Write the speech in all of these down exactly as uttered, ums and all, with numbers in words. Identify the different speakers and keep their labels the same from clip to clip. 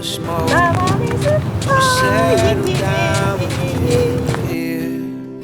Speaker 1: of smoke.
Speaker 2: 나만의
Speaker 1: Settle
Speaker 2: 스타일.
Speaker 1: down here.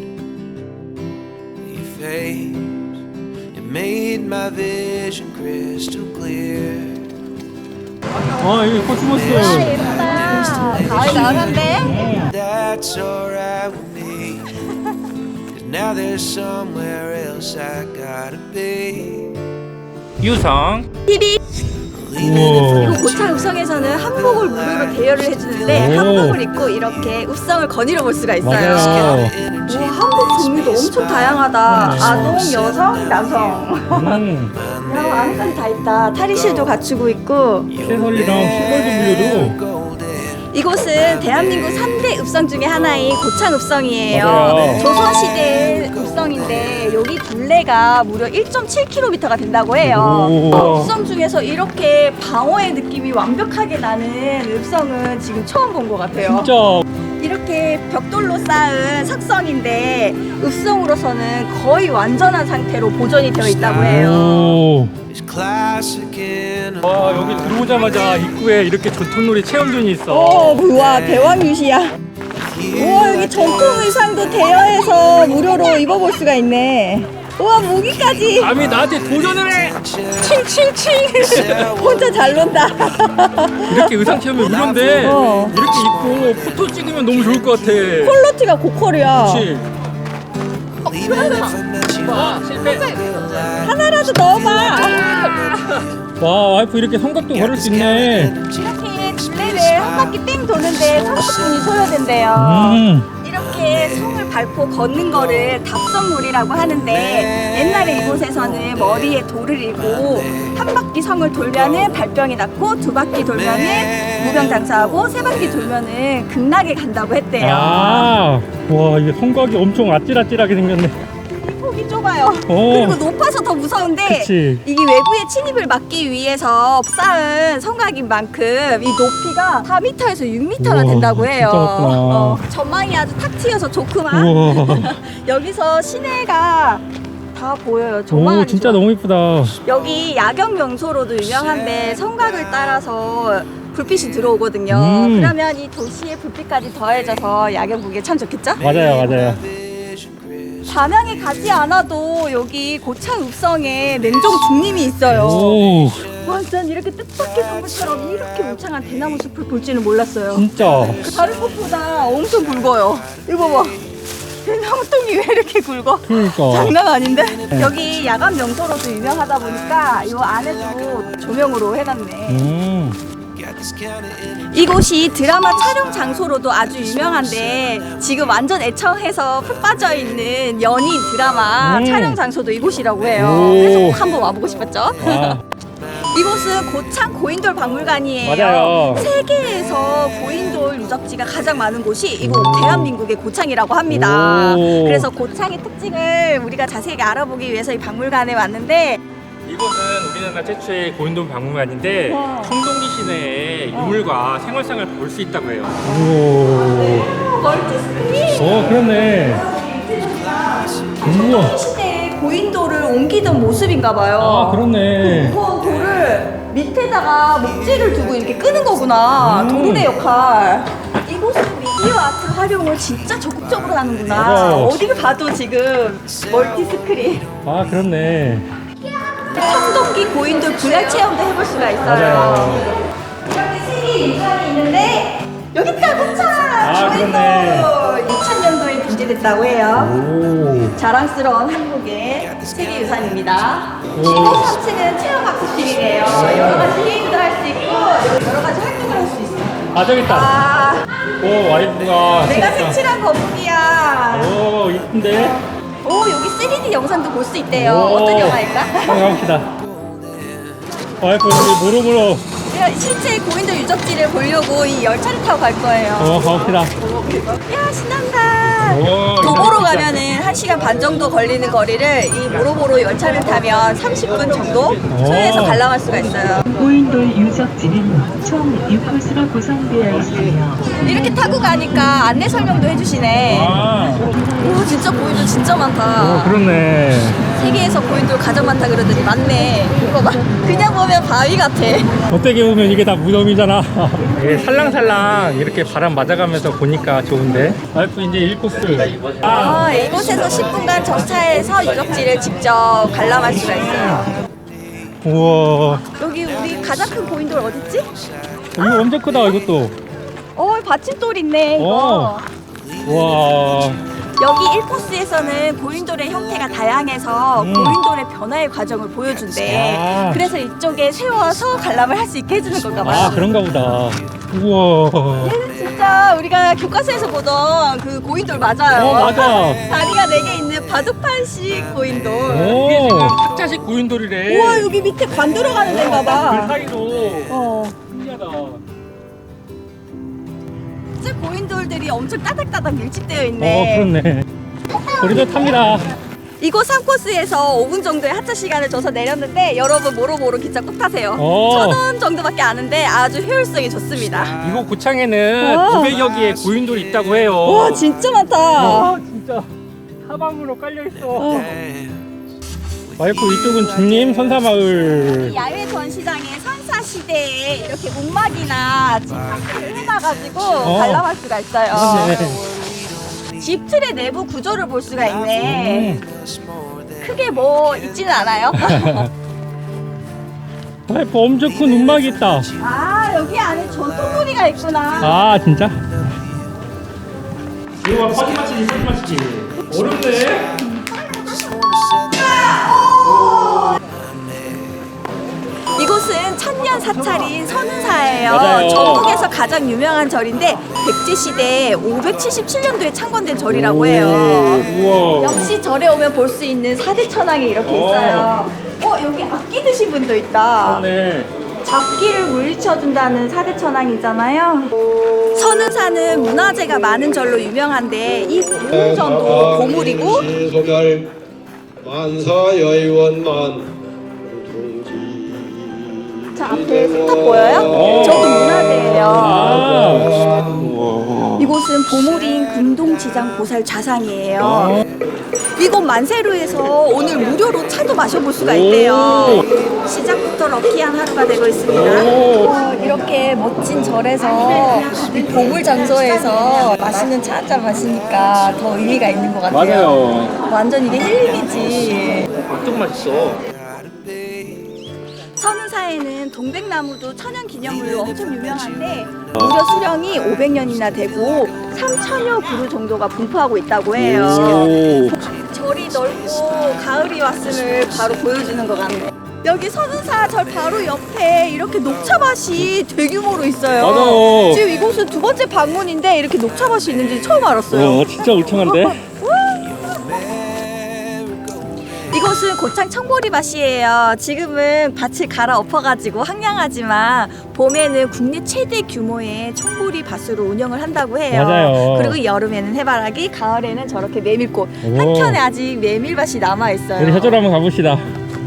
Speaker 1: You fades. It made my vision crystal clear.
Speaker 3: 아, 이게 코스모스.
Speaker 2: 아, 예쁘다. 가을 나오는데?
Speaker 1: That's alright with me. Cause now there's somewhere else I gotta be.
Speaker 3: 유성.
Speaker 2: 티비.
Speaker 3: 우와.
Speaker 2: 이거 고창 읍성에서는 한복을 무료로 대여를 해주는데
Speaker 3: 오.
Speaker 2: 한복을 입고 이렇게 읍성을 거닐어 볼 수가 있어요.
Speaker 3: 맞아요.
Speaker 2: 와, 한복 종류도 엄청 다양하다. 아동, 여성, 남성.
Speaker 3: 음.
Speaker 2: 야, 안에까지 다 있다. 탈의실도 갖추고 있고.
Speaker 3: 새설이랑 시골도 빌려도.
Speaker 2: 이곳은 대한민국 삼 대 읍성 중에 하나인 고창 읍성이에요.
Speaker 3: 맞아요.
Speaker 2: 조선시대 읍성인데 여기 둘레가 무려 일 점 칠 킬로미터가 된다고 해요.
Speaker 3: 오.
Speaker 2: 읍성 중에서 이렇게 방어의 느낌이 완벽하게 나는 읍성은 지금 처음 본 것 같아요.
Speaker 3: 진짜.
Speaker 2: 이렇게 벽돌로 쌓은 석성인데 읍성으로서는 거의 완전한 상태로 보존이 되어 있다고 해요.
Speaker 3: 오.
Speaker 1: It's classic in a
Speaker 3: 와, 여기 들어오자마자 입구에 이렇게 전통놀이 체험존이 있어.
Speaker 2: 오, 우와, 대왕 유시야. 우와, 여기 전통 의상도 대여해서 무료로 입어볼 수가 있네. 우와, 무기까지.
Speaker 3: 감히 나한테 도전을 해.
Speaker 2: 칭칭칭. 혼자 잘 논다.
Speaker 3: 이렇게 의상 체험이 무료인데
Speaker 2: 어.
Speaker 3: 이렇게 입고 포토 찍으면 너무 좋을 것 같아.
Speaker 2: 퀄러티가 고퀄이야.
Speaker 3: 그렇지. 아, 실패.
Speaker 2: 하나라도 넣어봐.
Speaker 3: 와, 와이프 이렇게 성곽도 걸을 수 있네.
Speaker 2: 이렇게 둘레를 한 바퀴 땡 도는데 삼십 분이 소요된대요.
Speaker 3: 음.
Speaker 2: 이렇게 성을 밟고 걷는 거를 답성놀이라고 하는데 옛날에 이곳에서는 머리에 돌을 이고 한 바퀴 성을 돌면은 발병이 낫고 두 바퀴 돌면은 무병장수하고 세 바퀴 돌면은 극락에 간다고 했대요.
Speaker 3: 아, 와, 이게 성곽이 엄청 아찔아찔하게 생겼네.
Speaker 2: 이 폭이 좁아요.
Speaker 3: 어.
Speaker 2: 그리고 높아서 더 무서운데
Speaker 3: 그치.
Speaker 2: 이게 외부의 침입을 막기 위해서 쌓은 성곽인 만큼 이 높이가 사 미터에서 육 미터나
Speaker 3: 우와,
Speaker 2: 된다고 해요.
Speaker 3: 진짜 높구나.
Speaker 2: 어, 전망이 아주 탁 트여서 좋구만.
Speaker 3: 우와.
Speaker 2: 여기서 시내가 다 보여요. 조망하니
Speaker 3: 오, 진짜
Speaker 2: 좋아.
Speaker 3: 너무 이쁘다.
Speaker 2: 여기 야경 명소로도 유명한데 성곽을 따라서 불빛이 들어오거든요.
Speaker 3: 음.
Speaker 2: 그러면 이 도시의 불빛까지 더해져서 야경 보기에 참 좋겠죠?
Speaker 3: 맞아요, 맞아요.
Speaker 2: 담양에 가지 않아도 여기 고창 읍성에 냉정 중림이 있어요.
Speaker 3: 오,
Speaker 2: 완전 이렇게 뜻밖의 선물처럼 이렇게 울창한 대나무 숲을 볼 줄은 몰랐어요.
Speaker 3: 진짜.
Speaker 2: 다른 곳보다 엄청 굵어요. 이거 봐봐. 대나무 똥이 왜 이렇게 굵어?
Speaker 3: 그러니까.
Speaker 2: 장난 아닌데? 여기 야간 명소로도 유명하다 보니까 이 안에도 조명으로 해놨네.
Speaker 3: 음.
Speaker 2: 이곳이 드라마 촬영 장소로도 아주 유명한데 지금 완전 애청해서 푹 빠져있는 연인 드라마
Speaker 3: 음.
Speaker 2: 촬영 장소도 이곳이라고 해요.
Speaker 3: 오.
Speaker 2: 그래서 꼭 한번 와보고 싶었죠?
Speaker 3: 아,
Speaker 2: 이곳은 고창 고인돌 박물관이에요.
Speaker 3: 맞아요.
Speaker 2: 세계에서 고인돌 유적지가 가장 많은 곳이 이곳 대한민국의 고창이라고 합니다.
Speaker 3: 오.
Speaker 2: 그래서 고창의 특징을 우리가 자세히 알아보기 위해서 이 박물관에 왔는데
Speaker 3: 이곳은 우리나라 최초의 고인돌 박물관인데
Speaker 2: 와.
Speaker 3: 청동기 시내의 유물과 생활상을 볼 수 있다고 해요. 오.
Speaker 2: 오, 멀티 스크린.
Speaker 3: 어, 그렇네. 우와.
Speaker 2: 시대에 고인돌을 옮기던 모습인가 봐요.
Speaker 3: 아, 그렇네.
Speaker 2: 무거운 돌을 밑에다가 목재를 두고 이렇게 끄는 거구나.
Speaker 3: 음.
Speaker 2: 도르래 역할. 이곳은 미디어 아트 활용을 진짜 적극적으로 하는구나.
Speaker 3: 맞아요.
Speaker 2: 어디를 봐도 지금 멀티 스크린.
Speaker 3: 아, 그렇네.
Speaker 2: 청동기 고인돌 분할 체험도 해볼 수가 있어요.
Speaker 3: 맞아요.
Speaker 2: 이렇게 세계 유산이 있는데 여기 있다 고창.
Speaker 3: 아, 그러네.
Speaker 2: 이천 년도에 분재됐다고 해요.
Speaker 3: 오.
Speaker 2: 자랑스러운 한국의 세계 유산입니다.
Speaker 3: 오.
Speaker 2: 이곳 삼 층은 체험학습실이래요. 여러 가지 게임도 할 수 있고 여러 가지 활동을 할 수 있어요.
Speaker 3: 아, 저기 있다.
Speaker 2: 아,
Speaker 3: 오, 와이프가.
Speaker 2: 내가
Speaker 3: 진짜.
Speaker 2: 색칠한 거북이야.
Speaker 3: 오, 이쁜데?
Speaker 2: 오, 여기 쓰리디 영상도 볼 수 있대요.
Speaker 3: 오.
Speaker 2: 어떤 영화일까?
Speaker 3: 한번 가봅시다. 와이프, 여기 모로모로.
Speaker 2: 실제 고인돌 유적지를 보려고 이 열차를 타고 갈 거예요.
Speaker 3: 어, 가봅시다.
Speaker 2: 야, 신난다.
Speaker 3: 오,
Speaker 2: 도보로 가면은 한 시간 반 정도 걸리는 거리를 이 모로모로 열차를 타면 삼십 분 정도 소요해서 관람할 수가 있어요.
Speaker 4: 고인돌 유적지는 총 육 코스로 구성되어 있으며
Speaker 2: 이렇게 타고 가니까 안내 설명도 해주시네.
Speaker 3: 아,
Speaker 2: 오, 진짜 고인돌 진짜
Speaker 3: 오,
Speaker 2: 많다.
Speaker 3: 그렇네.
Speaker 2: 세계에서 고인돌 가장 많다 그러더니 맞네. 이거 봐. 그냥 보면 바위 같아.
Speaker 3: 어떻게 보면 이게 다 무덤이잖아. 이게 살랑살랑 이렇게 바람 맞아가면서 보니까 좋은데. 와이프 이제 일 코스. 아,
Speaker 2: 아, 이곳에서 십 분간 정차해서 유적지를 직접 관람할 수가 있어요.
Speaker 3: 우와.
Speaker 2: 여기 우리 가장 큰 고인돌 어딨지?
Speaker 3: 이거 엄청 크다, 이것도.
Speaker 2: 어, 받침돌 있네, 이거.
Speaker 3: 와.
Speaker 2: 여기 일 코스에서는 고인돌의 형태가 다양해서
Speaker 3: 음.
Speaker 2: 고인돌의 변화의 과정을 보여준대.
Speaker 3: 아.
Speaker 2: 그래서 이쪽에 세워서 관람을 할 수 있게 해주는 건가 봐요.
Speaker 3: 아, 그런가 보다. 우와.
Speaker 2: 얘는 진짜 우리가 교과서에서 보던 그 고인돌 맞아요.
Speaker 3: 어, 맞아.
Speaker 2: 다리가 네 개 있는 바둑판식 고인돌.
Speaker 3: 이게 지금 학자식 고인돌이래.
Speaker 2: 우와, 여기 밑에 관 들어가는 데인가
Speaker 3: 그
Speaker 2: 봐.
Speaker 3: 사이로.
Speaker 2: 어.
Speaker 3: 신기하다.
Speaker 2: 진짜 고인돌들이 엄청 따닥따닥 밀집되어
Speaker 3: 어,
Speaker 2: 있네.
Speaker 3: 그렇네. 우리도 탑니다.
Speaker 2: 이곳 삼 코스에서 오 분 정도의 하차 시간을 줘서 내렸는데 여러분 모로모로 기차 꼭 타세요.
Speaker 3: 어.
Speaker 2: 천 원 정도밖에 안 하는데 아주 효율성이 좋습니다.
Speaker 3: 이곳 고창에는
Speaker 2: 어.
Speaker 3: 구백여 개의 고인돌이 있다고 해요.
Speaker 2: 와, 진짜 많다.
Speaker 3: 어, 진짜 사방으로 깔려 있어. 와이프 이쪽은 중림 선사마을.
Speaker 2: 야외 전시장에 선사 시대에 이렇게 움막이나 집사를 해놔가지고 관람할 수가 있어요.
Speaker 3: 네.
Speaker 2: 집 틀의 내부 구조를 볼 수가 있네.
Speaker 3: 음.
Speaker 2: 크게 뭐 있지는 않아요.
Speaker 3: 와이프 엄청 큰 움막이 있다.
Speaker 2: 아, 여기 안에 전통놀이가 있구나.
Speaker 3: 아, 진짜? 이거 봐, 파지마치지, 파지마치지. 어렵네.
Speaker 2: 이곳은 천년 사찰인 선운사예요.
Speaker 3: 맞아요.
Speaker 2: 전국에서 가장 유명한 절인데 백제 시대 오백칠십칠 년도에 창건된 절이라고
Speaker 3: 오,
Speaker 2: 해요.
Speaker 3: 우와.
Speaker 2: 역시 절에 오면 볼 수 있는 사대 천왕이 이렇게
Speaker 3: 오.
Speaker 2: 있어요. 어, 여기 악기 드신 분도 있다.
Speaker 3: 네.
Speaker 2: 잡기를 물리쳐준다는 사대 천왕이잖아요. 선운사는 문화재가 많은 절로 유명한데 이 보물전도 보물이고
Speaker 5: 소멸 만사여의원만
Speaker 2: 저 앞에 석탑 보여요?
Speaker 3: 오.
Speaker 2: 저도 문화재예요.
Speaker 3: 아.
Speaker 2: 이곳은 보물인 금동지장 보살 좌상이에요. 이곳 만세루에서 오늘 무료로 차도 마셔볼 수가 있대요. 시작부터 럭키한 하루가 되고 있습니다. 어, 이렇게 멋진 절에서 이 보물 장소에서 맛있는 차 한 잔 마시니까 더 의미가 있는 것 같아요.
Speaker 3: 맞아요.
Speaker 2: 완전 이게 힐링이지.
Speaker 3: 엄청 맛있어.
Speaker 2: 선운사에는 동백나무도 천연기념물로 엄청 유명한데 무려 수령이 오백 년이나 되고 삼천여 그루 정도가 분포하고 있다고 해요.
Speaker 3: 오.
Speaker 2: 절이 넓고 가을이 왔음을 바로 보여주는 것 같네. 여기 선운사 절 바로 옆에 이렇게 녹차밭이 대규모로 있어요.
Speaker 3: 맞아요.
Speaker 2: 지금 이곳은 두 번째 방문인데 이렇게 녹차밭이 있는지 처음 알았어요.
Speaker 3: 와, 진짜 울창한데?
Speaker 2: 이곳은 고창 청보리밭이에요. 지금은 밭을 갈아엎어가지고 황량하지만 봄에는 국내 최대 규모의 청보리밭으로 운영을 한다고 해요.
Speaker 3: 맞아요.
Speaker 2: 그리고 여름에는 해바라기, 가을에는 저렇게 메밀꽃.
Speaker 3: 오.
Speaker 2: 한켠에 아직 메밀밭이 남아있어요.
Speaker 3: 우리 저쪽으로 한번 가봅시다.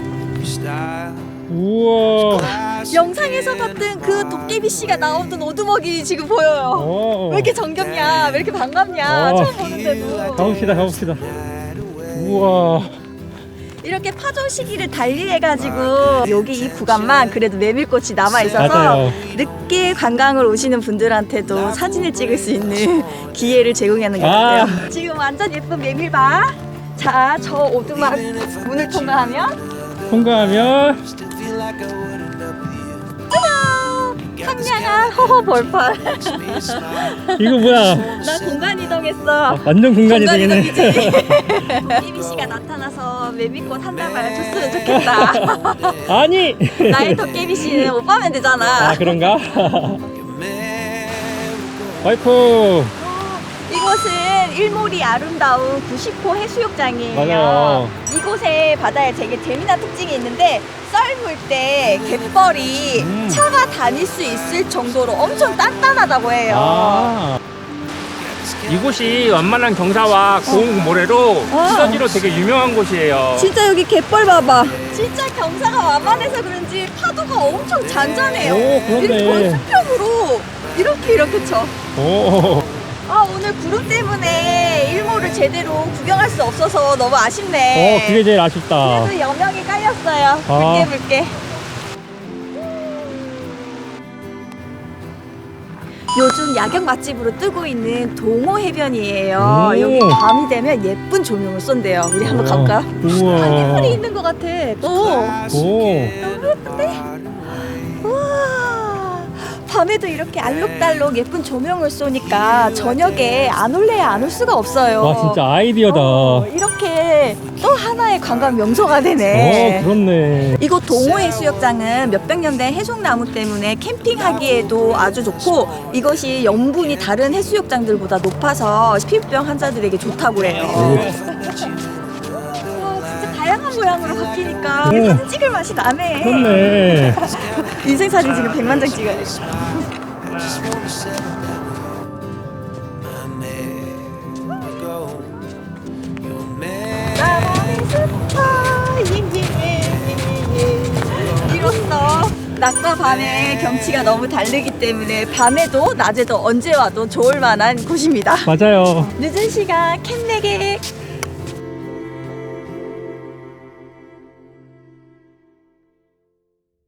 Speaker 3: 우와.
Speaker 2: 영상에서 봤던 그 도깨비 씨가 나오던 오두막이 지금 보여요.
Speaker 3: 오.
Speaker 2: 왜 이렇게 정겹냐, 왜 이렇게 반갑냐,
Speaker 3: 어.
Speaker 2: 처음 보는데도.
Speaker 3: 가봅시다, 가봅시다. 우와.
Speaker 2: 이렇게 파종 시기를 달리해가지고 여기 이 구간만 그래도 메밀꽃이 남아있어서
Speaker 3: 맞아요.
Speaker 2: 늦게 관광을 오시는 분들한테도 사진을 찍을 수 있는 기회를 제공하는 것
Speaker 3: 아.
Speaker 2: 같아요. 지금 완전 예쁜 메밀밭. 자, 저 오두막 문을 통과하면
Speaker 3: 통과하면
Speaker 2: 짜잔! 상냥한 허허 벌판.
Speaker 3: 이거 뭐야?
Speaker 2: 나 공간 이동했어.
Speaker 3: 완전 공간이 되겠네.
Speaker 2: 이미 씨가 나타나서 메밀꽃 한 다발 줬으면 좋겠다.
Speaker 3: 아니.
Speaker 2: 나의 도깨비 씨는 오빠면 되잖아.
Speaker 3: 아, 그런가? 와이프.
Speaker 2: 이곳은 일몰이 아름다운 구십 호 해수욕장이에요.
Speaker 3: 맞아요.
Speaker 2: 이곳에 바다에 되게 재미난 특징이 있는데 썰물 때 갯벌이
Speaker 3: 음.
Speaker 2: 차가 다닐 수 있을 정도로 엄청 단단하다고 해요.
Speaker 3: 아. 이곳이 완만한 경사와 고운 모래로
Speaker 2: 어.
Speaker 3: 시너지로 되게 유명한 곳이에요.
Speaker 2: 진짜 여기 갯벌 봐봐. 진짜 경사가 완만해서 그런지 파도가 엄청 잔잔해요.
Speaker 3: 오, 그렇네.
Speaker 2: 이렇게 수평으로 이렇게 이렇게 쳐.
Speaker 3: 오.
Speaker 2: 아, 오늘 구름 때문에 일몰을 제대로 구경할 수 없어서 너무 아쉽네.
Speaker 3: 어, 그게 제일 아쉽다.
Speaker 2: 그래도 여명이 깔렸어요.
Speaker 3: 아.
Speaker 2: 붉게 붉게. 요즘 야경 맛집으로 뜨고 있는 동호 해변이에요.
Speaker 3: 오.
Speaker 2: 여기 밤이 되면 예쁜 조명을 쏜대요. 우리 한번 가볼까요?
Speaker 3: 우와.
Speaker 2: 하늘이 있는 것 같아. 오,
Speaker 3: 오.
Speaker 2: 너무 예쁜데? 우와. 밤에도 이렇게 알록달록 예쁜 조명을 쏘니까 저녁에 안 올래야 안 올 수가 없어요.
Speaker 3: 와, 진짜 아이디어다.
Speaker 2: 어, 이렇게 또 하나의 관광 명소가 되네.
Speaker 3: 어, 그렇네.
Speaker 2: 이곳 동호해수욕장은 몇백 년 된 해송나무 때문에 캠핑하기에도 아주 좋고 이것이 염분이 다른 해수욕장들보다 높아서 피부병 환자들에게 좋다고 그래요. 와, 진짜 다양한 모양으로 바뀌니까
Speaker 3: 오.
Speaker 2: 사진 찍을 맛이 나네.
Speaker 3: 그렇네.
Speaker 2: 인생 사진 지금 백만 장 찍어야 돼.
Speaker 1: Just wanna settle down. I never go. You're mad.
Speaker 2: 나만의 스타 이로써 낮과 밤의 경치가 너무 다르기 때문에 밤에도 낮에도 언제 와도 좋을 만한 곳입니다.
Speaker 3: 맞아요.
Speaker 2: 늦은 시간 캠내객